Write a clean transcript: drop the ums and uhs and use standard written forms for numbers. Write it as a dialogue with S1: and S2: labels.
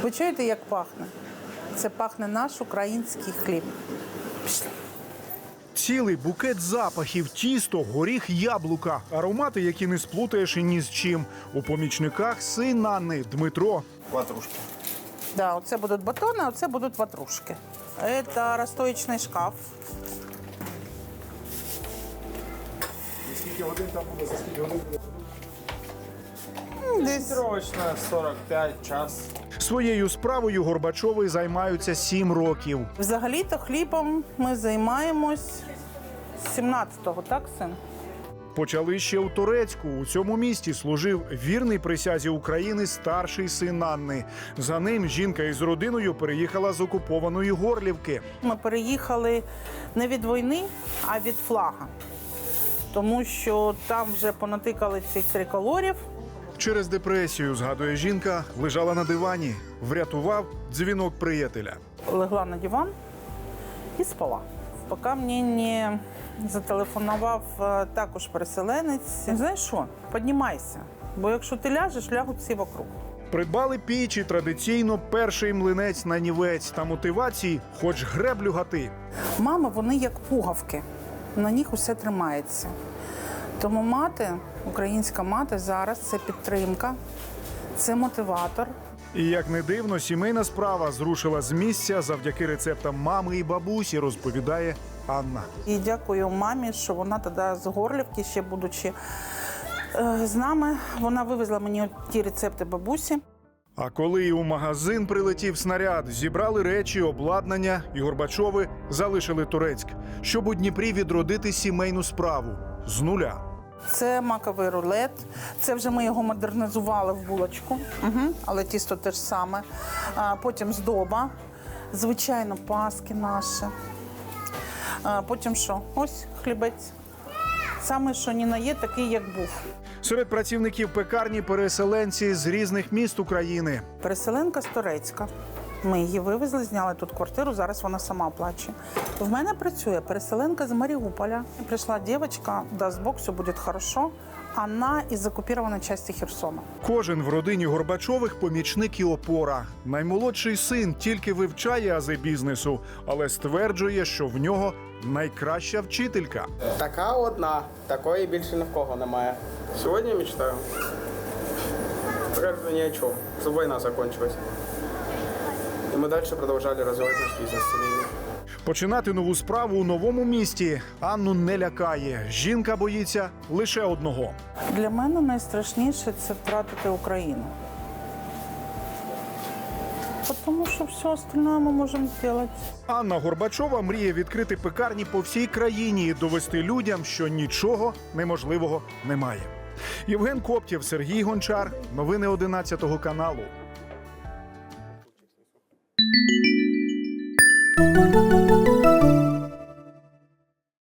S1: Ви чуєте, як пахне? Це пахне наш український хліб. Пішли.
S2: Цілий букет запахів, тісто, горіх, яблука. Аромати, які не сплутаєш і ні з чим. У помічниках син Анни Дмитро.
S3: Ватрушки.
S1: Да, оце будуть батони, а оце будуть ватрушки. Це розстоїчний шкаф.
S3: Скільки годин там буде, за скільки годин буде?
S1: Десь
S3: Срочно, 45 час.
S2: Своєю справою Горбачови займаються 7 років.
S1: взагалі-то хлібом ми займаємось з 17-го, так, син?
S2: Почали ще у Торецьку. У цьому місті служив вірний присязі України старший син Анни. За ним жінка із родиною переїхала з окупованої Горлівки.
S1: Ми переїхали не від війни, а від флага. Тому що там вже понатикали цих триколорів.
S2: Через депресію, згадує жінка, лежала на дивані. Врятував дзвінок приятеля.
S1: Легла на диван і спала. Поки мені не зателефонував також переселенець. Знаєш що, піднімайся, бо якщо ти ляжеш, лягуть всі вокруг.
S2: Придбали піч і традиційно перший млинець на нівець та мотивації хоч греблю гати.
S1: Мами, вони як пугавки, на них усе тримається. Тому мати, українська мати зараз – це підтримка, це мотиватор.
S2: І як не дивно, сімейна справа зрушила з місця завдяки рецептам мами і бабусі, розповідає Анна.
S1: І дякую мамі, що вона тоді з Горлівки, ще будучи з нами, вона вивезла мені ті рецепти бабусі.
S2: А коли і у магазин прилетів снаряд, зібрали речі, обладнання, і Горбачови залишили Торецьк, щоб у Дніпрі відродити сімейну справу з нуля.
S1: Це маковий рулет. Це вже ми його модернізували в булочку, але тісто те ж саме. Потім здоба, звичайно, паски наші. Потім що? Ось хлібець. Саме, що ні на є, такий, як був.
S2: Серед працівників пекарні переселенці з різних міст України.
S1: Переселенка з Торецька. Ми її вивезли, зняли тут квартиру, зараз вона сама оплачує. В мене працює переселенка з Маріуполя. Прийшла дівчинка, дасть Бог, все буде хорошо. Вона із окупованої частини Херсона.
S2: Кожен в родині Горбачових помічник і опора. Наймолодший син тільки вивчає ази бізнесу, але стверджує, що в нього найкраща вчителька.
S4: Така одна, такої більше ні в кого немає. Сьогодні я мечтаю. Пока ні о чому, щоб війна закінчилась. І ми далі продовжували розвивати наш бізнес сімейний.
S2: Починати нову справу у новому місті Анну не лякає. Жінка боїться лише одного.
S1: Для мене найстрашніше – це втратити Україну. Тому що все остальне ми можемо зробити.
S2: Анна Горбачова мріє відкрити пекарні по всій країні і довести людям, що нічого неможливого немає. Євген Коптєв, Сергій Гончар. Новини 11 каналу.